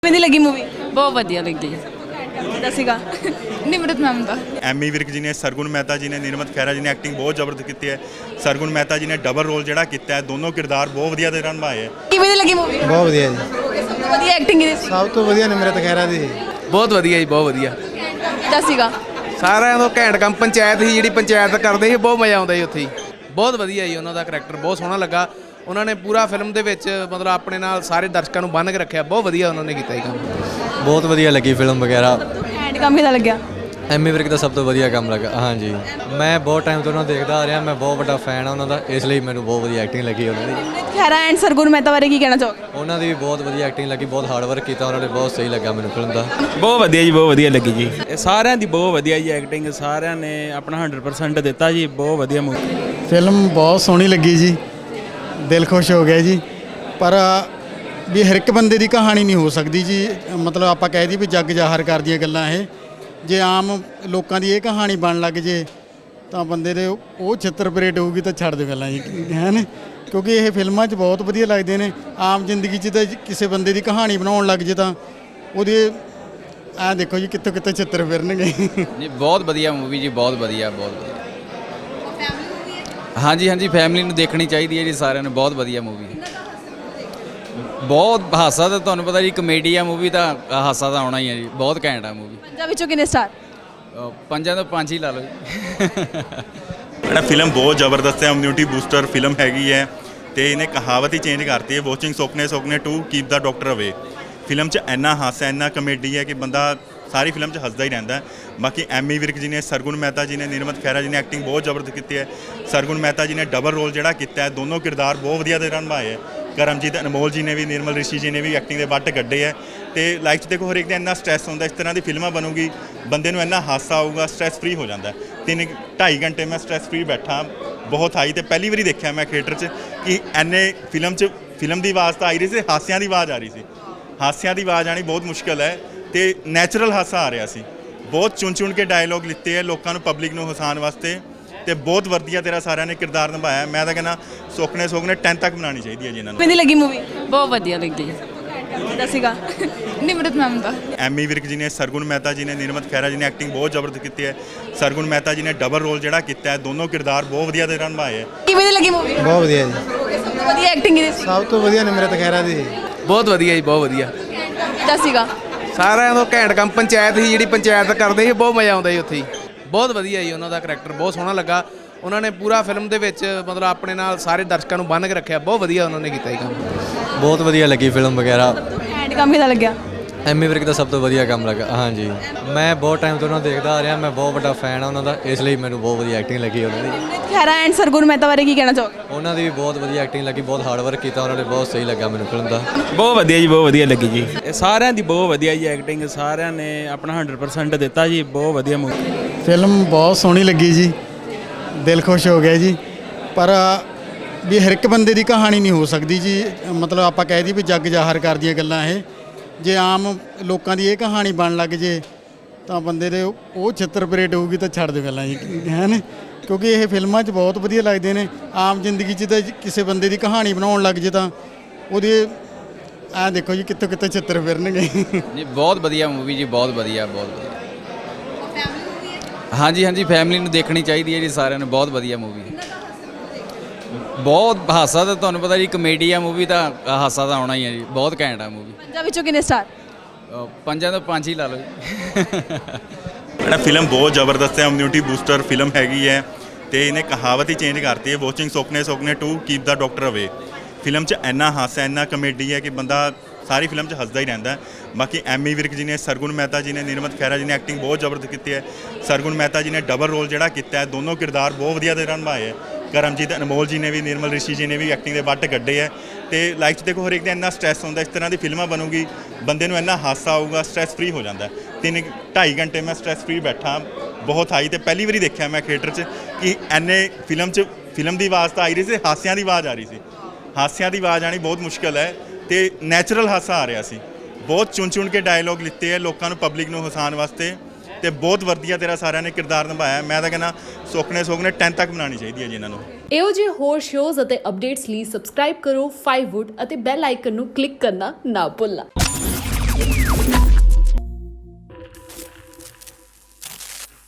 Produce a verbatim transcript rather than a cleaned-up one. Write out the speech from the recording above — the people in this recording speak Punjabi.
ਕਿਵੇਂ ਦੀ ਲੱਗੀ ਮੂਵੀ? ਬਹੁਤ ਵਧੀਆ ਲੱਗੀ। ਕਿਹਦਾ ਸੀਗਾ? ਨਿਮਰਤ ਮੈਮ ਦਾ। ਐਮੀ ਵਿਰਕ ਜੀ ਨੇ, ਸਰਗੁਣ ਮਹਿਤਾ ਜੀ ਨੇ, ਨਿਰਮਤ ਖਹਿਰਾ ਜੀ ਨੇ ਐਕਟਿੰਗ ਬਹੁਤ ਜ਼ਬਰਦਸਤ ਕੀਤੀ ਹੈ। ਸਰਗੁਣ ਮਹਿਤਾ ਜੀ ਨੇ ਡਬਲ ਰੋਲ ਜਿਹੜਾ ਕੀਤਾ ਹੈ, ਦੋਨੋਂ ਕਿਰਦਾਰ ਬਹੁਤ ਵਧੀਆ ਤਰ੍ਹਾਂ ਨਿਭਾਏ ਹੈ। ਕਿਵੇਂ ਦੀ ਲੱਗੀ ਮੂਵੀ? ਬਹੁਤ ਵਧੀਆ ਜੀ। ਸਭ ਤੋਂ ਵਧੀਆ ਐਕਟਿੰਗ ਇਹਦੀ ਸੀ। ਸਭ ਤੋਂ ਵਧੀਆ ਨਿਮਰਤ ਖਹਿਰਾ ਦੀ। ਬਹੁਤ ਵਧੀਆ ਜੀ, ਬਹੁਤ ਵਧੀਆ। ਕਿਹਦਾ ਸੀਗਾ? ਸਾਰਿਆਂ ਤੋਂ ਘੈਂਟ ਕੰਮ ਪੰਚਾਇਤ ਸੀ, ਜਿਹੜੀ ਪੰਚਾਇਤ ਕਰਦੇ ਸੀ, ਬਹੁਤ ਮਜ਼ਾ ਆਉਂਦਾ ਜੀ ਉੱਥੇ ਹੀ। ਬਹੁਤ ਵਧੀਆ ਜੀ, ਉਹਨਾਂ ਦਾ ਕਰੈਕਟਰ ਬਹੁਤ ਸੋਹਣਾ ਲੱਗਾ। ਉਹਨਾਂ ਨੇ ਪੂਰਾ ਫਿਲਮ ਦੇ ਵਿੱਚ ਮਤਲਬ ਆਪਣੇ ਨਾਲ ਸਾਰੇ ਦਰਸ਼ਕਾਂ ਨੂੰ ਬੰਨ੍ਹ ਕੇ ਰੱਖਿਆ। ਬਹੁਤ ਵਧੀਆ ਉਹਨਾਂ ਨੇ ਕੀਤਾ ਜੀ ਕੰਮ। ਬਹੁਤ ਵਧੀਆ ਲੱਗੀ ਫਿਲਮ ਵਗੈਰਾ। ਐਂਡ ਕੰਮ ਕਿਹਦਾ ਲੱਗਿਆ? ਐਮੀ ਵਿਰਕ ਦਾ ਸਭ ਤੋਂ ਵਧੀਆ ਕੰਮ ਲੱਗਾ। ਹਾਂਜੀ, ਮੈਂ ਬਹੁਤ ਟਾਈਮ ਤੋਂ ਉਹਨਾਂ ਨੂੰ ਦੇਖਦਾ ਆ ਰਿਹਾ। ਮੈਂ ਬਹੁਤ ਵੱਡਾ ਫੈਨ ਆ ਉਹਨਾਂ ਦਾ, ਇਸ ਲਈ ਮੈਨੂੰ ਬਹੁਤ ਵਧੀਆ ਐਕਟਿੰਗ ਲੱਗੀ ਉਹਨਾਂ ਦੀ। ਨਿਮਰਤ ਖਹਿਰਾ ਐਂਡ ਸਰਗੁਣ ਮਹਿਤਾ ਬਾਰੇ ਕੀ ਕਹਿਣਾ ਚਾਹੋਗੇ? ਉਹਨਾਂ ਦੀ ਵੀ ਬਹੁਤ ਵਧੀਆ ਐਕਟਿੰਗ ਲੱਗੀ, ਬਹੁਤ ਹਾਰਡ ਵਰਕ ਕੀਤਾ ਉਹਨਾਂ ਨੇ, ਬਹੁਤ ਸਹੀ ਲੱਗਾ ਮੈਨੂੰ ਫਿਲਮ ਦਾ। ਬਹੁਤ ਵਧੀਆ ਜੀ, ਬਹੁਤ ਵਧੀਆ ਲੱਗੀ ਜੀ। ਇਹ ਸਾਰਿਆਂ ਦੀ ਬਹੁਤ ਵਧੀਆ ਜੀ ਐਕਟਿੰਗ, ਸਾਰਿਆਂ ਨੇ ਆਪਣਾ ਹੰਡਰਡ ਪਰਸੈਂਟ ਦਿੱਤਾ ਜੀ। ਬਹੁਤ ਵਧੀਆ ਮੂਵੀ। ਫਿਲਮ ਬਹੁਤ ਸੋਹਣੀ ਲੱਗੀ ਜੀ, ਦਿਲ ਖੁਸ਼ ਹੋ ਗਿਆ ਜੀ। ਪਰ ਵੀ ਹਰ ਇੱਕ ਬੰਦੇ ਦੀ ਕਹਾਣੀ ਨਹੀਂ ਹੋ ਸਕਦੀ ਜੀ। ਮਤਲਬ ਆਪਾਂ ਕਹਿ ਦਈਏ ਵੀ ਜੱਗ ਜ਼ਾਹਰ ਕਰਦੀਆਂ ਗੱਲਾਂ ਇਹ, ਜੇ ਆਮ ਲੋਕਾਂ ਦੀ ਇਹ ਕਹਾਣੀ ਬਣ ਲੱਗ ਜੇ ਤਾਂ ਬੰਦੇ ਦੇ ਉਹ ਛਿੱਤਰ ਪਰੇਡ ਹੋਊਗੀ ਤਾਂ ਛੱਡ ਦੇ ਗੱਲਾਂ ਜੀ, ਹੈ ਨਾ। ਕਿਉਂਕਿ ਇਹ ਫਿਲਮਾਂ 'ਚ ਬਹੁਤ ਵਧੀਆ ਲੱਗਦੇ ਨੇ। ਆਮ ਜ਼ਿੰਦਗੀ 'ਚ ਤਾਂ ਕਿਸੇ ਬੰਦੇ ਦੀ ਕਹਾਣੀ ਬਣਾਉਣ ਲੱਗ ਜੇ ਤਾਂ ਉਹਦੇ ਐਂ ਦੇਖੋ ਜੀ ਕਿੱਥੋਂ ਕਿੱਥੋਂ ਛਿੱਤਰ ਫਿਰਨਗੇ। ਨਹੀਂ, ਬਹੁਤ ਵਧੀਆ ਮੂਵੀ ਜੀ, ਬਹੁਤ ਵਧੀਆ, ਬਹੁਤ ਵਧੀਆ। ਹਾਂਜੀ ਹਾਂਜੀ, ਫੈਮਿਲੀ ਨੂੰ ਦੇਖਣੀ ਚਾਹੀਦੀ ਹੈ ਜੀ ਸਾਰਿਆਂ ਨੂੰ। ਬਹੁਤ ਵਧੀਆ ਮੂਵੀ, ਬਹੁਤ ਹਾਸਾ। ਤਾਂ ਤੁਹਾਨੂੰ ਪਤਾ ਜੀ, ਕਮੇਡੀ ਆ ਮੂਵੀ, ਤਾਂ ਹਾਸਾ ਤਾਂ ਆਉਣਾ ਹੀ ਹੈ ਜੀ। ਬਹੁਤ ਘੈਂਟ ਆ ਮੂਵੀ। ਪੰਜਾਂ ਵਿੱਚੋਂ ਕਿੰਨੇ ਸਟਾਰ? ਪੰਜਾਂ ਤੋਂ ਪੰਜ ਹੀ ਲਾ ਲਓ ਜੀ। ਜਿਹੜਾ ਫਿਲਮ ਬਹੁਤ ਜ਼ਬਰਦਸਤ ਹੈ, ਇਮਿਊਨਿਟੀ ਬੂਸਟਰ ਫਿਲਮ ਹੈਗੀ ਹੈ ਤੇ ਇਹਨੇ ਕਹਾਵਤ ਹੀ ਚੇਂਜ ਕਰਤੀ ਹੈ, ਵਾਚਿੰਗ ਸੁਪਨੇ ਸੁਪਨੇ to keep the doctor away. Film 'ਚ ਇੰਨਾ ਹਾਸਾ, ਇੰਨਾ ਕਮੇਡੀ ਹੈ ਕਿ ਬੰਦਾ ਸਾਰੀ ਫਿਲਮ 'ਚ ਹੱਸਦਾ ਹੀ ਰਹਿੰਦਾ ਹੈ। ਬਾਕੀ ਐਮੀ ਵਿਰਕ ਜੀ ਨੇ, ਸਰਗੁਣ ਮਹਿਤਾ ਜੀ ਨੇ, ਨਿਰਮਤ ਖਹਿਰਾ ਜੀ ਨੇ ਐਕਟਿੰਗ ਬਹੁਤ ਜ਼ਬਰਦਸਤ ਕੀਤੀ ਹੈ। ਸਰਗੁਣ ਮਹਿਤਾ ਜੀ ਨੇ ਡਬਲ ਰੋਲ ਜਿਹੜਾ ਕੀਤਾ ਹੈ, ਦੋਨੋਂ ਕਿਰਦਾਰ ਬਹੁਤ ਵਧੀਆ ਤਰ੍ਹਾਂ ਨਿਭਾਏ ਹੈ। ਕਰਮਜੀਤ ਅਨਮੋਲ ਜੀ ਨੇ ਵੀ, ਨਿਰਮਲ ਰਿਸ਼ੀ ਜੀ ਨੇ ਵੀ ਐਕਟਿੰਗ ਦੇ ਵੱਟ ਕੱਢੇ ਹੈ। ਤੇ ਲਾਈਫ 'ਚ ਦੇਖੋ ਹਰੇਕ ਦਾ ਇੰਨਾ ਸਟ੍ਰੈਸ ਹੁੰਦਾ, ਇਸ ਤਰ੍ਹਾਂ ਦੀ ਫਿਲਮਾਂ ਬਣੂਗੀ ਬੰਦੇ ਨੂੰ ਇੰਨਾ ਹਾਸਾ ਆਊਗਾ, ਸਟ੍ਰੈਸ ਫ੍ਰੀ ਹੋ ਜਾਂਦਾ। ਤਿੰਨ ਢਾਈ ਘੰਟੇ ਮੈਂ ਸਟ੍ਰੈਸ ਫ੍ਰੀ ਬੈਠਾ, ਬਹੁਤ ਹਾਈ। ਤੇ ਪਹਿਲੀ ਵਾਰੀ ਦੇਖਿਆ ਮੈਂ ਥੀਏਟਰ 'ਚ ਕਿ ਐਨੇ ਫਿਲਮ 'ਚ ਫਿਲਮ ਦੀ ਆਵਾਜ਼ ਤਾਂ ਆਈ ਰਹੀ ਸੀ, ਹਾਸਿਆਂ ਦੀ ਆਵਾਜ਼ ਆ ਰਹੀ ਸੀ। ਹਾਸਿਆਂ ਦੀ ਆਵਾਜ਼ ਆਣੀ ਬਹੁਤ ਮੁਸ਼ਕਿਲ ਹੈ ਤੇ ਨੈਚੁਰਲ ਹਾਸਾ ਆ ਰਿਹਾ ਸੀ। ਬਹੁਤ ਚੁਣ ਚੁਣ ਕੇ ਡਾਇਲੋਗ ਲਿੱਤੇ ਹੈ ਲੋਕਾਂ ਨੂੰ, ਪਬਲਿਕ ਨੂੰ ਹਸਾਉਣ ਵਾਸਤੇ। ਤੇ ਬਹੁਤ ਵਧੀਆ ਤੇਰਾ ਸਾਰਿਆਂ ਨੇ ਕਿਰਦਾਰ ਨਿਭਾਇਆ। ਮੈਂ ਤਾਂ ਕਹਿੰਦਾ ਸੁਪਨੇ ਸੁਪਨੇ ਟੈਨ ਤੱਕ ਬਣਾਉਣੀ ਚਾਹੀਦੀ ਹੈ ਜੀ ਇਹਨਾਂ ਨੂੰ। ਕਿਵੇਂ ਦੀ ਲੱਗੀ ਮੂਵੀ? ਬਹੁਤ ਵਧੀਆ ਲੱਗੀ। ਕਿਹਦਾ ਸੀਗਾ? ਨਿਮਰਤ ਮੈਮ ਦਾ। ਐਮੀ ਵਿਰਕ ਜੀ ਨੇ, ਸਰਗੁਣ ਮਹਿਤਾ ਜੀ ਨੇ, ਨਿਰਮਤ ਖਹਿਰਾ ਜੀ ਨੇ ਐਕਟਿੰਗ ਬਹੁਤ ਜ਼ਬਰਦਸਤ ਕੀਤੀ ਹੈ। ਸਰਗੁਣ ਮਹਿਤਾ ਜੀ ਨੇ ਡਬਲ ਰੋਲ ਜਿਹੜਾ ਕੀਤਾ ਹੈ, ਦੋਨੋਂ ਕਿਰਦਾਰ ਬਹੁਤ ਵਧੀਆ ਤਰ੍ਹਾਂ ਨਿਭਾਏ ਹੈ। ਕਿਵੇਂ ਦੀ ਲੱਗੀ ਮੂਵੀ? ਬਹੁਤ ਵਧੀਆ ਜੀ। ਸਭ ਤੋਂ ਵਧੀਆ ਐਕਟਿੰਗ ਇਹਦੀ ਸੀ। ਸਭ ਤੋਂ ਵਧੀਆ ਨਿਮਰਤ ਖਹਿਰਾ ਦੀ। ਬਹੁਤ ਵਧੀਆ ਜੀ, ਬਹੁਤ ਵਧੀਆ। ਕਿਹਦਾ ਸੀਗਾ? ਸਾਰਿਆਂ ਤੋਂ ਘੈਂਟ ਕੰਮ ਪੰਚਾਇਤ ਸੀ, ਜਿਹੜੀ ਪੰਚਾਇਤ ਕਰਦੇ ਸੀ, ਬਹੁਤ ਮਜ਼ਾ ਆਉਂਦਾ ਜੀ ਉੱਥੇ ਹੀ। ਬਹੁਤ ਵਧੀਆ ਜੀ, ਉਹਨਾਂ ਦਾ ਕਰੈਕਟਰ ਬਹੁਤ ਸੋਹਣਾ ਲੱਗਾ। ਉਹਨਾਂ ਨੇ ਪੂਰਾ ਫਿਲਮ ਦੇ ਵਿੱਚ ਮਤਲਬ ਆਪਣੇ ਨਾਲ ਸਾਰੇ ਦਰਸ਼ਕਾਂ ਨੂੰ ਬੰਨ੍ਹ ਕੇ ਰੱਖਿਆ। ਬਹੁਤ ਵਧੀਆ ਉਹਨਾਂ ਨੇ ਕੀਤਾ ਜੀ ਕੰਮ। ਬਹੁਤ ਵਧੀਆ ਲੱਗੀ ਫਿਲਮ ਵਗੈਰਾ। ਐਂਡ ਕੰਮ ਕਿਹਦਾ ਲੱਗਿਆ? ਐਮੀ ਵਿਰਕ ਦਾ ਸਭ ਤੋਂ ਵਧੀਆ ਕੰਮ ਲੱਗਾ। ਹਾਂਜੀ, ਮੈਂ ਬਹੁਤ ਟਾਈਮ ਤੋਂ ਉਹਨਾਂ ਨੂੰ ਦੇਖਦਾ ਆ ਰਿਹਾ। ਮੈਂ ਬਹੁਤ ਵੱਡਾ ਫੈਨ ਆ ਉਹਨਾਂ ਦਾ, ਇਸ ਲਈ ਮੈਨੂੰ ਬਹੁਤ ਵਧੀਆ ਐਕਟਿੰਗ ਲੱਗੀ ਉਹਨਾਂ ਦੀ। ਨਿਮਰਤ ਖਹਿਰਾ ਐਂਡ ਸਰਗੁਣ ਮਹਿਤਾ ਬਾਰੇ ਕੀ ਕਹਿਣਾ ਚਾਹੋਗੇ? ਉਹਨਾਂ ਦੀ ਵੀ ਬਹੁਤ ਵਧੀਆ ਐਕਟਿੰਗ ਲੱਗੀ, ਬਹੁਤ ਹਾਰਡ ਵਰਕ ਕੀਤਾ ਉਹਨਾਂ ਨੇ, ਬਹੁਤ ਸਹੀ ਲੱਗਾ ਮੈਨੂੰ ਫਿਲਮ ਦਾ। ਬਹੁਤ ਵਧੀਆ ਜੀ, ਬਹੁਤ ਵਧੀਆ ਲੱਗੀ ਜੀ। ਇਹ ਸਾਰਿਆਂ ਦੀ ਬਹੁਤ ਵਧੀਆ ਜੀ ਐਕਟਿੰਗ, ਸਾਰਿਆਂ ਨੇ ਆਪਣਾ ਹੰਡਰਡ ਪਰਸੈਂਟ ਦਿੱਤਾ ਜੀ। ਬਹੁਤ ਵਧੀਆ ਮੂਵੀ। ਫਿਲਮ ਬਹੁਤ ਸੋਹਣੀ ਲੱਗੀ ਜੀ, ਦਿਲ ਖੁਸ਼ ਹੋ ਗਿਆ ਜੀ। ਪਰ ਵੀ ਹਰ ਇੱਕ ਬੰਦੇ ਦੀ ਕਹਾਣੀ ਨਹੀਂ ਹੋ ਸਕਦੀ ਜੀ। ਮਤਲਬ ਆਪਾਂ ਕਹਿ ਦਈਏ ਵੀ ਜੱਗ ਜ਼ਾਹਰ ਕਰਦੀਆਂ ਗੱਲਾਂ ਇਹ, ਜੇ ਆਮ ਲੋਕਾਂ ਦੀ ਇਹ ਕਹਾਣੀ ਬਣ ਲੱਗ ਜੇ ਤਾਂ ਬੰਦੇ ਦੇ ਉਹ ਛਿੱਤਰ ਪਰੇਡ ਹੋਊਗੀ ਤਾਂ ਛੱਡ ਦੇ ਗੱਲਾਂ ਜੀ, ਹੈ ਨਾ। ਕਿਉਂਕਿ ਇਹ ਫਿਲਮਾਂ 'ਚ ਬਹੁਤ ਵਧੀਆ ਲੱਗਦੇ ਨੇ। ਆਮ ਜ਼ਿੰਦਗੀ 'ਚ ਤਾਂ ਕਿਸੇ ਬੰਦੇ ਦੀ ਕਹਾਣੀ ਬਣਾਉਣ ਲੱਗ ਜੇ ਤਾਂ ਉਹਦੇ ਐਂ ਦੇਖੋ ਜੀ ਕਿੱਥੋਂ ਕਿੱਥੋਂ ਛਿੱਤਰ ਫਿਰਨਗੇ। ਨਹੀਂ, ਬਹੁਤ ਵਧੀਆ ਮੂਵੀ ਜੀ, ਬਹੁਤ ਵਧੀਆ, ਬਹੁਤ ਵਧੀਆ। ਹਾਂਜੀ ਹਾਂਜੀ, ਫੈਮਿਲੀ ਨੂੰ ਦੇਖਣੀ ਚਾਹੀਦੀ ਹੈ ਜੀ ਸਾਰਿਆਂ ਨੂੰ। ਬਹੁਤ ਵਧੀਆ ਮੂਵੀ, ਬਹੁਤ ਹਾਸਾ। ਤਾਂ ਤੁਹਾਨੂੰ ਪਤਾ ਜੀ, ਕਮੇਡੀ ਆ ਮੂਵੀ, ਤਾਂ ਹਾਸਾ ਤਾਂ ਆਉਣਾ ਹੀ ਹੈ ਜੀ। ਬਹੁਤ ਘੈਂਟ ਆ ਮੂਵੀ। ਪੰਜਾਂ ਵਿੱਚੋਂ ਕਿੰਨੇ ਸਟਾਰ? ਪੰਜਾਂ ਤੋਂ ਪੰਜ ਹੀ ਲਾ ਲਓ ਜੀ। ਜਿਹੜਾ ਫਿਲਮ ਬਹੁਤ ਜ਼ਬਰਦਸਤ ਹੈ, ਇਮਿਊਨਿਟੀ ਬੂਸਟਰ ਫਿਲਮ ਹੈਗੀ ਹੈ ਤੇ ਇਹਨੇ ਕਹਾਵਤ ਹੀ ਚੇਂਜ ਕਰਤੀ ਹੈ, ਵਾਚਿੰਗ ਸੁਪਨੇ ਸੁਪਨੇ to keep the doctor away. Film 'ਚ ਇੰਨਾ ਹਾਸਾ, ਇੰਨਾ ਕਮੇਡੀ ਹੈ ਕਿ ਬੰਦਾ ਸਾਰੀ ਫਿਲਮ 'ਚ ਹੱਸਦਾ ਹੀ ਰਹਿੰਦਾ ਹੈ। ਬਾਕੀ ਐਮੀ ਵਿਰਕ ਜੀ ਨੇ, ਸਰਗੁਣ ਮਹਿਤਾ ਜੀ ਨੇ, ਨਿਰਮਤ ਖਹਿਰਾ ਜੀ ਨੇ ਐਕਟਿੰਗ ਬਹੁਤ ਜ਼ਬਰਦਸਤ ਕੀਤੀ ਹੈ। ਸਰਗੁਣ ਮਹਿਤਾ ਜੀ ਨੇ ਡਬਲ ਰੋਲ ਜਿਹੜਾ ਕੀਤਾ ਹੈ, ਦੋਨੋਂ ਕਿਰਦਾਰ ਬਹੁਤ ਵਧੀਆ ਤਰ੍ਹਾਂ ਨਿਭਾਏ ਹੈ। ਕਰਮਜੀਤ ਅਨਮੋਲ ਜੀ ਨੇ ਵੀ, ਨਿਰਮਲ ਰਿਸ਼ੀ ਜੀ ਨੇ ਵੀ ਐਕਟਿੰਗ ਦੇ ਵੱਟ ਕੱਢੇ ਹੈ। ਤੇ ਲਾਈਫ 'ਚ ਦੇਖੋ ਹਰੇਕ ਦਾ ਇੰਨਾ ਸਟ੍ਰੈਸ ਹੁੰਦਾ, ਇਸ ਤਰ੍ਹਾਂ ਦੀ ਫਿਲਮਾਂ ਬਣੂਗੀ ਬੰਦੇ ਨੂੰ ਇੰਨਾ ਹਾਸਾ ਆਊਗਾ, ਸਟ੍ਰੈਸ ਫ੍ਰੀ ਹੋ ਜਾਂਦਾ। ਤਿੰਨ ਢਾਈ ਘੰਟੇ ਮੈਂ ਸਟ੍ਰੈਸ ਫ੍ਰੀ ਬੈਠਾ, ਬਹੁਤ ਹਾਈ। ਤੇ ਪਹਿਲੀ ਵਾਰੀ ਦੇਖਿਆ ਮੈਂ ਥੀਏਟਰ 'ਚ ਕਿ ਐਨੇ ਫਿਲਮ 'ਚ ਫਿਲਮ ਦੀ ਆਵਾਜ਼ ਤਾਂ ਆਈ ਰਹੀ ਸੀ, ਹਾਸਿਆਂ ਦੀ ਆਵਾਜ਼ ਆ ਰਹੀ ਸੀ। ਹਾਸਿਆਂ ਦੀ ਆਵਾਜ਼ ਆਣੀ ਬਹੁਤ ਮੁਸ਼ਕਿਲ ਹੈ ਤੇ ਨੈਚੁਰਲ ਹਾਸਾ ਆ ਰਿਹਾ ਸੀ। ਬਹੁਤ ਚੁਣ ਚੁਣ ਕੇ ਡਾਇਲੋਗ ਲਿੱਤੇ ਹੈ ਲੋਕਾਂ ਨੂੰ, ਪਬਲਿਕ ਨੂੰ ਹਸਾਉਣ ਵਾਸਤੇ। ਤੇ ਬਹੁਤ ਵਧੀਆ ਤੇਰਾ ਸਾਰਿਆਂ ਨੇ ਕਿਰਦਾਰ ਨਿਭਾਇਆ। ਮੈਂ ਤਾਂ ਕਹਿੰਦਾ ਸੁਪਨੇ ਸੁਪਨੇ ਟੈਨ ਤੱਕ ਬਣਾਉਣੀ ਚਾਹੀਦੀ ਹੈ ਜੀ ਇਹਨਾਂ ਨੂੰ। ਇਹੋ ਜਿਹੇ ਹੋਰ ਸ਼ੋਜ਼ ਅਤੇ ਅਪਡੇਟਸ ਲਈ ਸਬਸਕ੍ਰਾਈਬ ਕਰੋ ਫਾਈਵ ਵੁੱਡ ਅਤੇ ਬੈਲ ਆਈਕਨ ਨੂੰ ਕਲਿੱਕ ਕਰਨਾ ਨਾ ਭੁੱਲਣਾ।